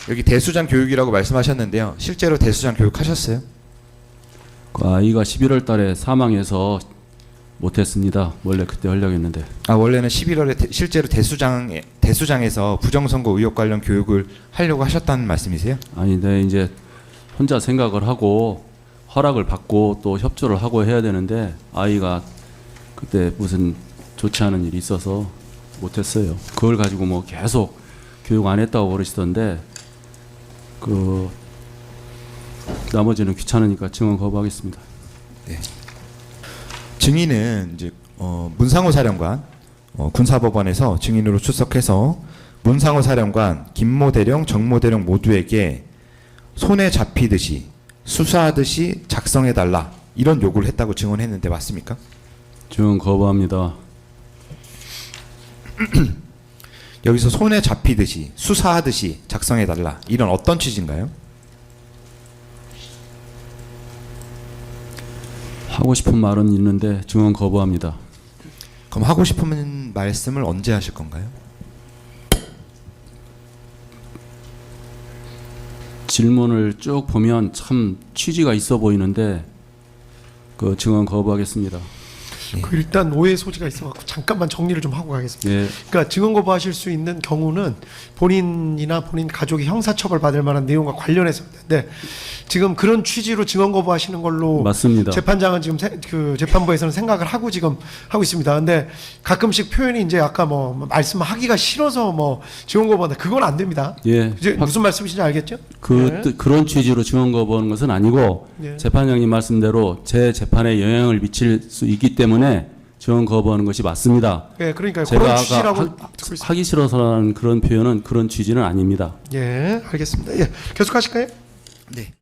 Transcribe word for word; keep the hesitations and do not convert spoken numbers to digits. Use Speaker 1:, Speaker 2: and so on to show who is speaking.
Speaker 1: 여기 대수장 교육이라고 말씀하셨는데요. 실제로 대수장 교육하셨어요?
Speaker 2: 그 아이가 십일월 달에 사망해서 못했습니다. 원래 그때 하려고 했는데.
Speaker 1: 아, 원래는 십일월에 대, 실제로 대수장 대수장에서 부정선거 의혹 관련 교육을 하려고 하셨다는 말씀이세요?
Speaker 2: 아니, 네, 이제 혼자 생각을 하고 허락을 받고 또 협조를 하고 해야 되는데 아이가 그때 무슨 좋지 않은 일이 있어서 못했어요. 그걸 가지고 뭐 계속 교육 안 했다고 그러시던데 그 나머지는 귀찮으니까 증언 거부하겠습니다.
Speaker 1: 네. 증인은 이제 어, 문상호 사령관 어, 군사법원에서 증인으로 출석해서 문상호 사령관, 김모 대령, 정모 대령 모두에게 손에 잡히듯이 수사하듯이 작성해달라 이런 요구를 했다고 증언했는데 맞습니까?
Speaker 2: 증언 거부합니다.
Speaker 1: 여기서 손에 잡히듯이 수사하듯이 작성해달라 이런 어떤 취지인가요?
Speaker 2: 하고 싶은 말은 있는데 증언 거부합니다.
Speaker 1: 그럼 하고 싶은 말씀을 언제 하실 건가요?
Speaker 2: 질문을 쭉 보면 참 취지가 있어 보이는데 그 증언 거부하겠습니다.
Speaker 3: 그 일단 오해 소지가 있어갖고 잠깐만 정리를 좀 하고 가겠습니다.
Speaker 2: 예.
Speaker 3: 그러니까 증언 거부하실 수 있는 경우는 본인이나 본인 가족이 형사처벌 받을 만한 내용과 관련해서입니다. 네, 지금 그런 취지로 증언 거부하시는 걸로
Speaker 2: 맞습니다.
Speaker 3: 재판장은 지금 세, 그 재판부에서는 생각을 하고 지금 하고 있습니다. 근데 가끔씩 표현이 이제 아까 뭐 말씀하기가 싫어서 뭐 증언 거부한다 그건 안 됩니다.
Speaker 2: 예.
Speaker 3: 이제
Speaker 2: 확-
Speaker 3: 무슨 말씀이신지 알겠죠?
Speaker 2: 그
Speaker 3: 네.
Speaker 2: 뜻- 그런 취지로 증언 거부하는 것은 아니고
Speaker 3: 예.
Speaker 2: 재판장님 말씀대로 제 재판에 영향을 미칠 수 있기 때문에 증언 거부하는 것이 맞습니다.
Speaker 3: 예, 그러니까
Speaker 2: 제가
Speaker 3: 그런
Speaker 2: 아까
Speaker 3: 취지라고
Speaker 2: 하,
Speaker 3: 듣고 있습니다.
Speaker 2: 하기 싫어서라는 그런 표현은 그런 취지는 아닙니다.
Speaker 3: 예, 알겠습니다. 예, 계속하실까요?
Speaker 1: 네.